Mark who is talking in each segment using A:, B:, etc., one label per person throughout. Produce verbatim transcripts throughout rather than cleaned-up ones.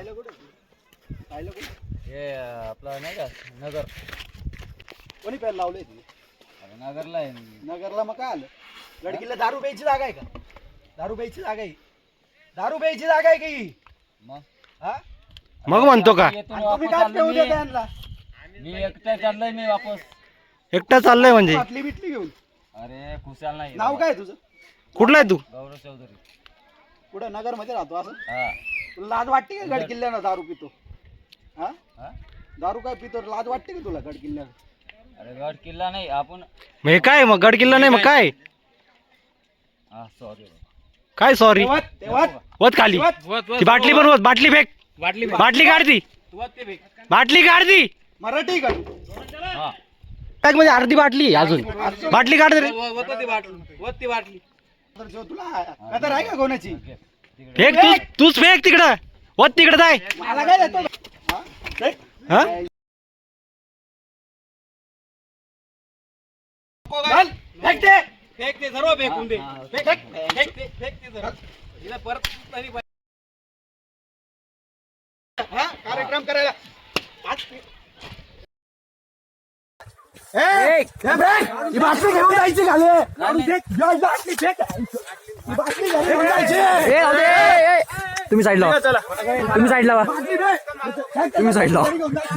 A: राहिलं कुठे राहिलं कुठे
B: हे आपलं नाही का नगर
A: कोणी पेन लावलंय तुम्ही
B: अरे नगरला आहे मी.
A: नगरला मग काय आलं गडकिल्ला दारू प्यायची जागा आहे का दारू प्यायची जागा आहे दारू प्यायची जागा आहे की
B: मग
A: हा
C: मग म्हणतो का
B: येतो
A: आणि
B: ना
A: तुम्ही
B: वापस
A: काय पेऊ
B: चाललोय
A: द्या
B: मी.
A: त्यांना
B: मी एकटा चाललोय मी वापस.
C: एकटा चाललाय म्हणजे
A: बाटली बिटली घेऊन
B: अरे खुशाल नाही
A: नाव काय तुझं
C: कुठला आहे तू
B: गौरव चौधरी.
A: कुठं नगर मध्ये राहतो असं
B: हा
A: तुला लाज वाटते का गडकिल्ल्यानं दारू पितो हा
B: हा
A: दारू काय पितो लाज वाटते का तुला गडकिल्ल्यानं
B: अरे गड किल्ला नाही आपण.
C: मग हे काय मग गड किल्ला नाही मग काय
B: हा सॉरी
C: काय सॉरी
A: तेव्हा तेव्हा
C: वत खाली ती बाटली पण वत बाटली फेक
A: बाटली
C: बाटली काढ ती बाटली काढ ती
A: मराठी का
B: हा
C: पॅक मध्ये अर्धी बाटली आहे अजून बाटली काढ रे
A: तर जो तुला कदर आहे का कोणाची
C: फेक तू तूच फेक तिकडं वत तिकडं जाय
A: मला काय देतो हा? फेक.
C: हा
A: घाल. फेक ते.
D: फेक ते सर्व फेकून दे
B: हा.
D: फेक फेक ते फेक ते सर्व हिला परत तरी पाहिजे.
A: हा? कार्यक्रम करायला आज- ए,
C: फेक.
A: हे फेक. ही बाटली घेऊन जायची खाली आणि फेक. ही बाटली फेक. ही बाटली घरी घेऊन जायची.
C: ए, राहू दे, ए, ए. तुम्ही साईड लावा तुम्ही साईड लावा
A: बाटली दे. फेक.
C: तुम्ही साईड लावा
A: घरी घेऊन जायची.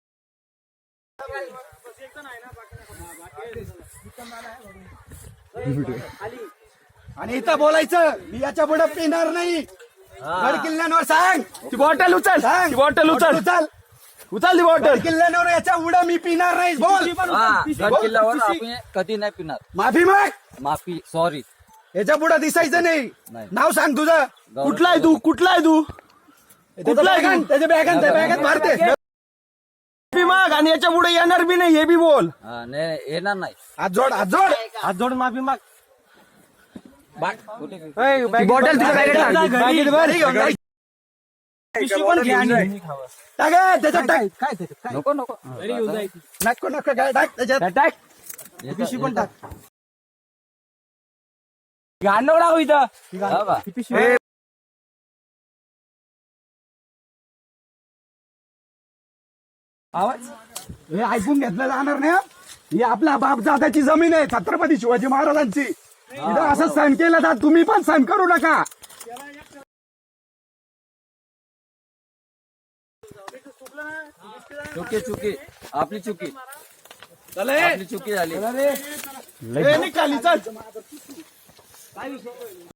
A: आणि इथं बोलायचं मी याच्या पुढे पिणार नाही गड किल्ल्यांवर सांग
C: ती बॉटल उचल
A: सांग
C: बॉटल उचल
A: उचल
C: उचल ती
A: गड
C: बॉटल
A: किल्ल्यांवर याच्या उडा मी पिणार नाही बोल
B: हा, गड किल्ल्यावर आपण कधी नाही पिणार.
A: माफी माग
B: माफी सॉरी.
A: याच्या पुढे दिसायचं नाही
B: नाही.
A: नाव सांग तुझं
B: गौरव
A: कुठला आहे तू कुठला आहे तू कुठला आहे त्याच्या बॅगान त्या बॅगात मारते
C: माफी माग आणि याच्या पुढे येणार बी नाही हे बी बोल
B: हा नाही येणार नाही.
A: हात जोड हात जोड
C: हात जोड माफी माग
B: कुठे
C: ती बॉटल तिच्या बॅगेत टाक.
A: बॅगेत भर, हे घेऊन जायचं. टाक हे, त्याच्यात टाक
B: नको नको
A: नको नको काय टाक त्याच्यात
C: टाक
A: पिशवी पण टाक
C: गाणं राहू इथं
B: हा बा.
A: आवाज हे ऐकून घेतलं जाणार नाही हं? ही आपल्या बाप जात्याची जमीन आहे छत्रपती शिवाजी महाराजांची इथं असं सण केलं तर तुम्ही पण सण करू नका
B: चुकी चुकी आपली चुकी
A: चले
B: आपली चुकी झाली.
A: हे निघ खाली चल